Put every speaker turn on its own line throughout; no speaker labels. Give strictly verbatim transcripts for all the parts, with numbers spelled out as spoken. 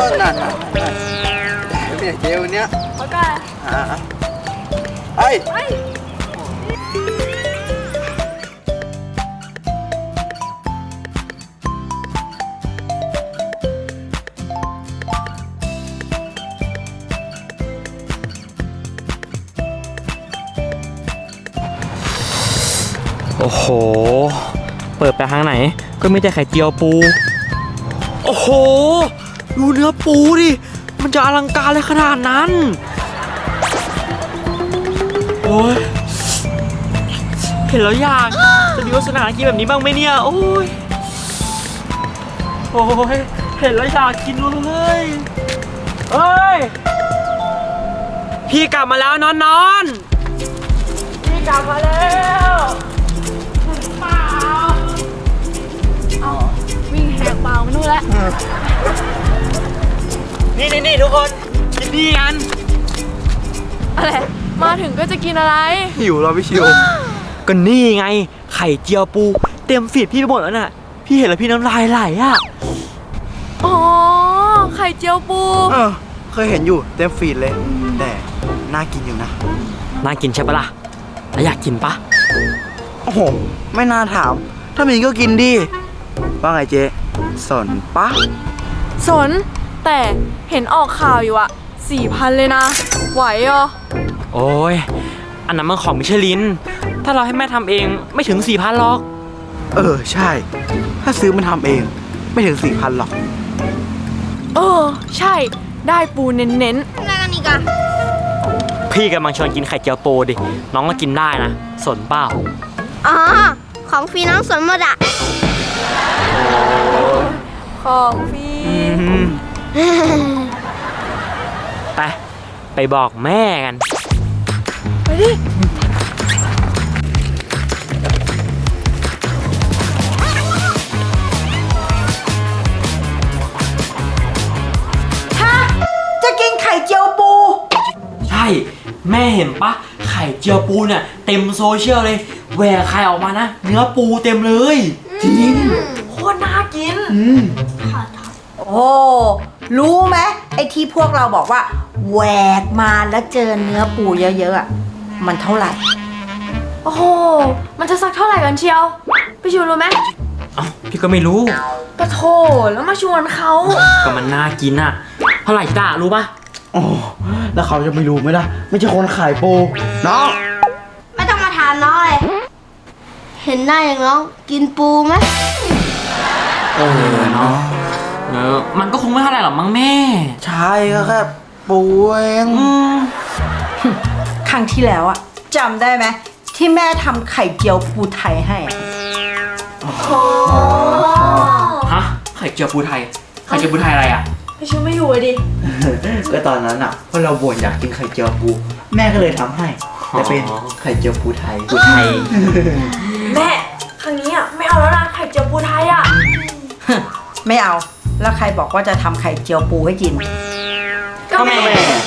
นั่นนั่นเนี่ยเจวันเนี้ย
โอเค
อ่าไอ้
โอ้โหเปิดไปทางไหนก็มีแต่ไข่เจียวปูโอ้โหดูเนื้อปูดิมันจะอลังการเลยขนาดนั้นโอ้ยเห็นแล้วอยากจะมีวาสนากินแบบนี้บ้างไหมเนี่ยโอ้ยโอ้ยเห็นแล้วอยากกินเลยเอ้ยพี่กลับมาแล้วนอนนอนพี่กลับมาแล้วเปล่า
เอาวิ่งแหกเปล่ามานู่นแล้ว
นี่นี่นี่ทุกคนกินดีกัน
อะไรมาถึงก็จะกินอะไร
หิวเราพี่ชิว
ก็นี่ไงไข่เจียวปูเต็มฟีดพี่ไปหมดแล้วน่ะพี่เห็นแล้วพี่น้ำลายไหลอ่ะ
อ๋อไข่เจียวปู
เออเคยเห็นอยู่เต็มฟีดเลยแต่น่ากินอยู่นะ
น่ากินใช่ปะล่ะแล้วอยากกินปะ
โอ้โหไม่น่าถามถ้ามีก็กินดิว่าไงเจ๊สนปะ
สนแต่เห็นออกข่าวอยู่อะสี่พันเลยนะไหวเหรอ
โอ้ยอันนั้นมันของมิชลินถ้าเราให้แม่ทำเองไม่ถึงสี่พันหรอก
เออใช่ถ้าซื้อมันทำเองไม่ถึงสี่พันหรอก
เออใช่ได้ปูเน้นๆนั่นกันอีกอะ
พี่กำลังชวนกินไข่เจียวปูดิน้องก็กินได้นะสนเปล่า
อ๋อของฟรีน้องสนหมดอะ
ของฟรี
ไปไปบอกแม่กัน
ไปดิ
ฮะจะกินไข่เจียวปู
ใช่แม่เห็นปะไข่เจียวปูเนี่ยเต็มโซเชียลเลยแหวกไข่ออกมานะเนื้อปูเต็มเลย
จริง
โคตรน่ากิน
อืมโอ้รู้ไหมไอ้ที่พวกเราบอกว่าแหวกมาแล้วเจอเนื้อปูเยอะๆอ่ะมันเท่าไหร่
โอ้โหมันจะสักเท่าไหร่กันเชียวพี่ชูรู้ไหม
อ๋อพี่ก็ไม่รู้
ปะโถแล้วมาชวนเขา
ก็มันน่ากินอ่ะเท่าไหร่จ้ารู้ปะ
โอ้แล้วเขาจะไม่รู้ไหมล่ะไม่ใช่คนขายปูน้อง
ไม่ต้องมาถามน้องเลยเห็นหน้าอย่างน้องกินปูไหม
เออเนาะเออมันก็คงไม่เท่าไหร่หรอกมั้งแม่
ใช่ก็แค่ปูเอง
ครั้งที่แล้วอะจำได้ไหมที่แม่ทำไข่เจียวปูไทยให้
ฮะไข่เจียวปูไทยไข่เจียวปูไทยอะไรอ่ะ
พี่ชูไม่อยู่ดิ
ก็ตอนนั้นอ่ะพอเราบ่นอยากกินไข่เจียวปูแม่ก็เลยทำให้แต่เป็นไข่เจียวปูไทย
ปูไทย
แม่ครั้งนี้อ่ะไม่เอาแล้วนะไข่เจียวปูไทยอ่ะ
ไม่เอาแล้วใครบอกว่าจะทำไข่เจียวปูให้กิน
ก็แม่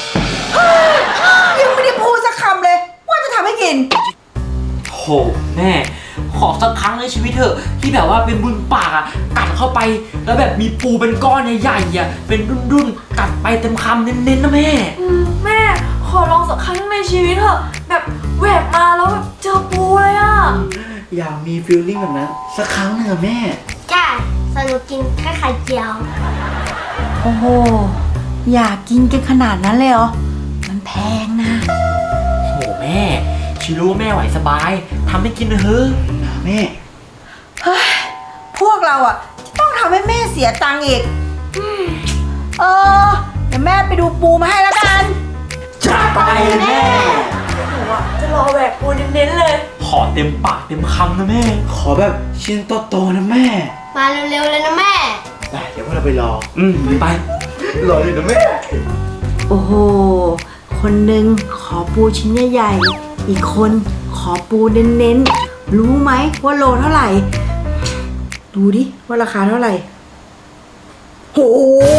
ยังไม่ได้พูดสักคำเลยว่าจะทำให้กิน
โหแม่ขอสักครั้งในชีวิตเถอะที่แบบว่าเป็นบุญปากอ่ะกัดเข้าไปแล้วแบบมีปูเป็นก้อนใหญ่ๆอ่ะเป็นดุ้นๆกัดไปเต็มคำเน้นๆนะแม่
แม่ขอลองสักครั้งในชีวิตเถอะแบบแหวกมาแล้วแบบเจอปูเลยอ่ะ
อยากมีฟีลลิ่งแบบนั้นสักครั้งหนึ่งอะแม่
ใช่สนุกกินแค่ไข่เจียว
โอ้โหอยากกินกันขนาดนั้นเลยเหรอมันแพงนะ
โหแม่ชิรู้ว่าแม่ไหวสบายทำให้กินเถอะ
แม่
เฮ้ยพวกเราอ่ะต้องทำให้แม่เสียตังค์อีกเออเดี๋ยวแม่ไปดูปูมาให้แล้วกัน
จัดไปแม่
หนูอ่ะจะรอแหวกปูเน้นๆเลย
ขอเต็มปากเต็มคำนะแม่
ขอแบบชิ้นโตๆนะแม่
มาเร็วๆเลยนะแม่
ไปเดี๋ยวพวกเราไปรอ
อืมไป
รอเลยนะแม่
โอ้โหคนหนึ่งขอปูชิ้นใหญ่ๆอีกคนขอปูเน้นๆรู้ไหมว่าโลเท่าไหร่ดูดิว่าราคาเท่าไหร่โห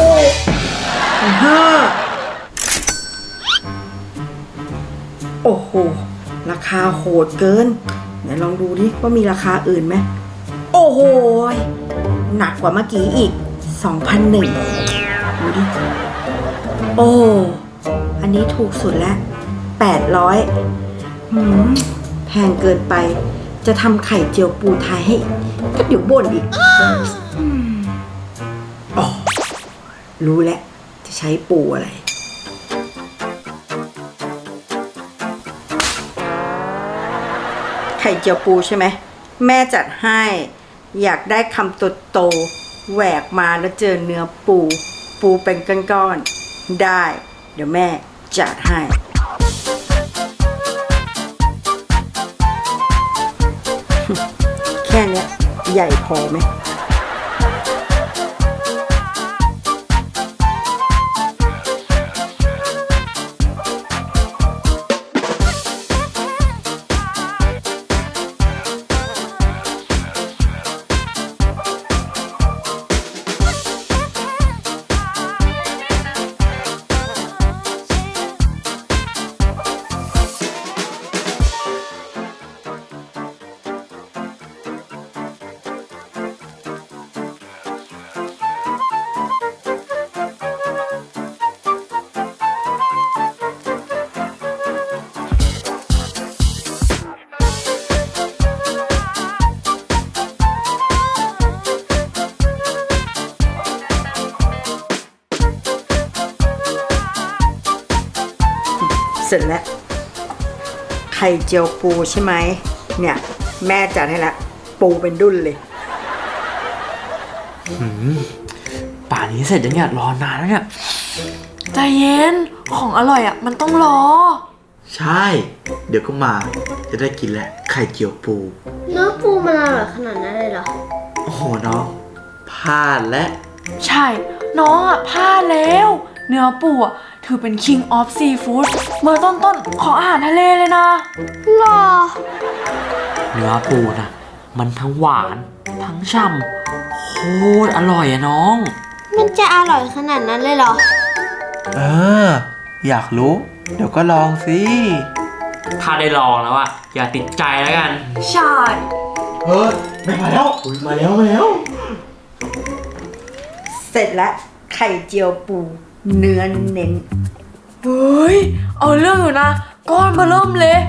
ห้าโอ้โหราคาโหดเกินไหนลองดูดิว่ามีราคาอื่นไหมโอ้โหหนักกว่าเมื่อกี้อีก สองพันหนึ่งดูดิ โอ้ อันนี้ถูกสุดแล้วแปดร้อยหืมแพงเกินไป จะทำไข่เจียวปูไทยให้ก็เดี๋ยวบ่นอีกอืมอ๋อรู้แล้ว จะใช้ปูอะไร ไข่เจียวปูใช่ไหม แม่จัดให้ อยากได้คำโตๆแหวกมาแล้วเจอเนื้อปู ปูเป็นก้อนๆได้ เดี๋ยวแม่จัดให้ แค่เนี้ยใหญ่พอไหม เสร็จแล้ว ไข่เจียวปูใช่ไหม เนี่ย แม่จัดให้ละ ปูเป็นดุ้นเลย
ป่านนี้เสร็จยังเนี่ยรอนานแล้วเนี่ย
ใจเย็น ของอร่อยอ่ะ มันต้องรอ
ใช่ เดี๋ยวก็มา จะได้กินแหละไข่เจียวปู
เนื้อปูมันอร่อยขนาดนั้นเลยเหรอ
โอ้โหน้องพลาดและ
ใช่ น้องอ่ะพลาดแล้ว เนื้อปูอ่ะถือเป็น King of Seafood เบอร์ต้นๆของอาหารทะเลเลยนะ
หรอ
เนื้อปูนะมันทั้งหวานทั้งช่ำโคตรอร่อยอะน้อง
มันจะอร่อยขนาดนั้นเลยเหรอ
เออ อยากรู้ เดี๋ยวก็ลองสิ
ถ้าได้ลองแล้วอะอย่าติดใจแล้วกัน
ใช่
เฮ้ยไม่มาแล้วอุ๊ยมาแล้วมาแล้ว
เสร็จแล้ว ไข่เจียวปู เนื้อเน้น
เฮ้ย เอาเรื่องอยู่นะ ก้อนเบอร์เริ่มเลย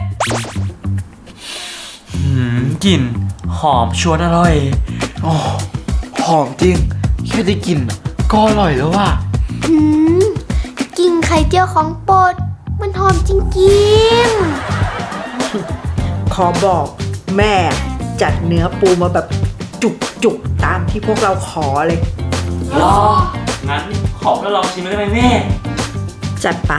หืมกลิ่นหอมชวนอร่อย
โอ้หอมจริง แค่ได้กลินก็อร่อยแล้วว่ะ
หืมกินไข่เจียวของโปรด มันหอมจริง
ขอบอกแม่จัดเนื้อปูมาแบบจุกๆ ตามที่พวกเราขอเลย
รอ งั้นขอแล้วลองชิมได้ไหมแม่
จัดไป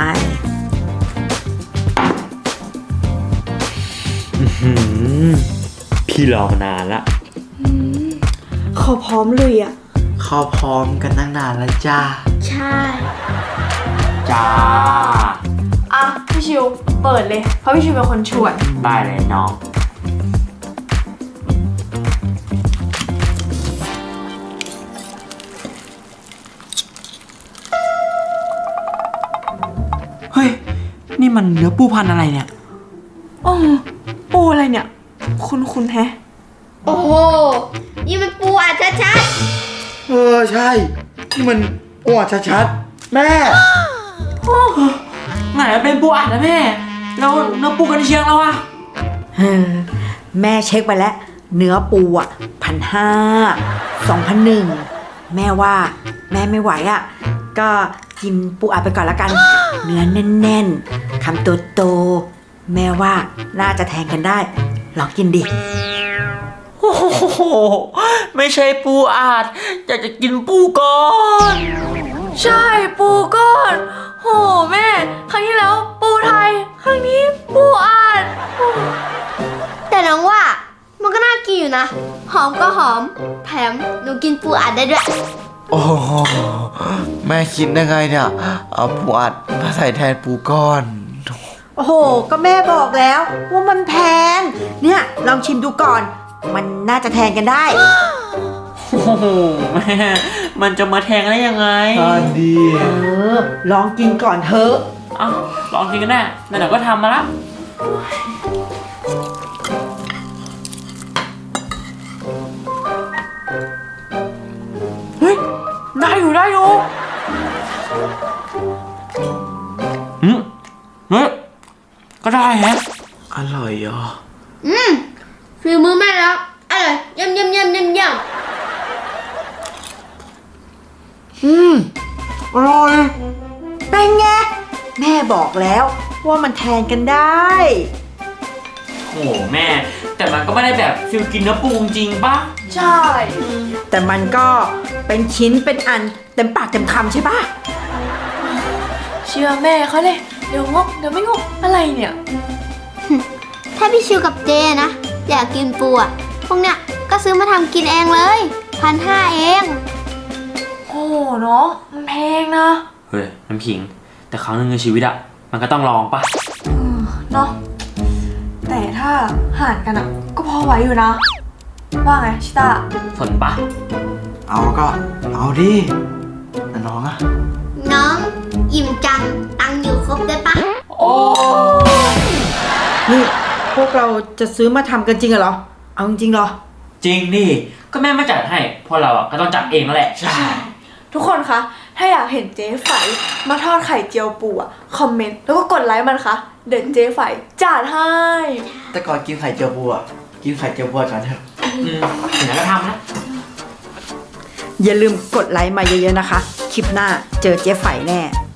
พี่รอมานานละ
เขาพร้อมเลยอ่ะ
เข้าพร้อมกันตั้งนานแล้วจ้า
ๆ ใช่
จ้า
อ่ะ พี่ชิว เปิดเลย เพราะพี่ชิวเป็นคนชวน
ได้เลยน้อง เฮ้ย นี่มันเนื้อปูพันธุ์อะไรเนี่ย
อ๋อ ปูอะไรเนี่ย คุณคุณแฮะ
โอ้โห นี่มันปูอัดชัด
เออ ใช่นี่มันอ้วนชัดๆ แม่
ไหนเป็นปูอัดนะแม่ แล้วเนื้อปูกันเชียงแล้วอะ
เออแม่เช็คไปแล้ว เนื้อปูอ่ะพันห้าสองพันหนึ่งแม่ว่าแม่ไม่ไหวอ่ะ ก็กินปูอัดไปก่อนละกัน เนื้อแน่นๆคำโตๆแม่ว่าน่าจะแทงกันได้ ลองกินดิ
โอ้โห ไม่ใช่ปูอัดอยากจะกินปูก้อน
ใช่ปูก้อน โหแม่ ครั้งที่แล้วปูไทย ครั้งนี้ปูอัดโอ้
ๆ แต่น้องว่ามันก็น่ากินอยู่นะ หอมก็หอม แถมหนูกินปูอัดได้ด้วย
โอ้โหแม่คิดได้ไงเนี่ย เอาปูอัดมาใส่แทนปูก้อน
โอ้โห ก็แม่บอกแล้วว่ามันแพง เนี่ยลองชิมดูก่อน มันน่าจะแทงกันได้
โอ้โหแม่มันจะมาแทงได้ยังไง
ตอนดี
เออ ลองกินก่อนเถอะ
เอ้าลองกินกันแน่ไหนๆก็ทำมาละ
เฮ้ย ได้อยู่ได้อยู่
ออืมเฮ้ยก็ได้แฮะ
อร่อยอ่ะ
อืมฝีมือแม่แล้วอร่อยเยี่ยมเยี่ยมเยี่ยมเยี่ยมเยี่ยม
อืมอร่อย
เป็นไง แม่บอกแล้วว่ามันแทนกันได้
โอ้โหแม่ แต่มันก็ไม่ได้แบบฟิลกินเนื้อปูจริงๆปะ
ใช่
แต่มันก็เป็นชิ้นเป็นอันเต็มปากเต็มคำใช่ปะ
เชื่อแม่เขาเลย เดี๋ยวงกเดี๋ยวไม่งกอะไรเนี่ย
ถ้าพี่ชิวกับเจนะ อยากกินปูอ่ะพวกเนี้ยก็ซื้อมาทำกินเองเลยพันห้าเอง
โอ้โหน้องมันแพงนะ
เฮ้ยน้ำขิง แต่ครั้งหนึ่งในชีวิตอะมันก็ต้องลองปะ
เนาะแต่ถ้าหารกันอ่ะ ก็พอไหวอยู่นะ ว่าไงชิต้า
สนปะ
เอาก็เอาดิแต่น้องอ่ะ
น้องอิ่มจังตังค์อยู่ครบได้ปะ
โอ้
นี่พวกเราจะซื้อมาทำกันจริงเหรอ เอาจริงๆเหรอ
จริงดิก็แม่มาจัดให้พวกเราอะก็ต้องจัดเองแล้วแหละ
ใช่
ทุกคนคะ ถ้าอยากเห็นเจ๊ไฝมาทอดไข่เจียวปูอ่ะ คอมเมนต์แล้วก็กดไลค์มันคะเด็ดเจ๊ไฝจัดให้
แต่ก่อนกินไข่เจียวปูอ่ะกินไข่เจียวปูกันเถอะ
อืมถึงนั้นก็ทำนะ
อย่าลืมกดไลค์มาเยอะๆนะคะ คลิปหน้าเจอเจ๊ไฝแน่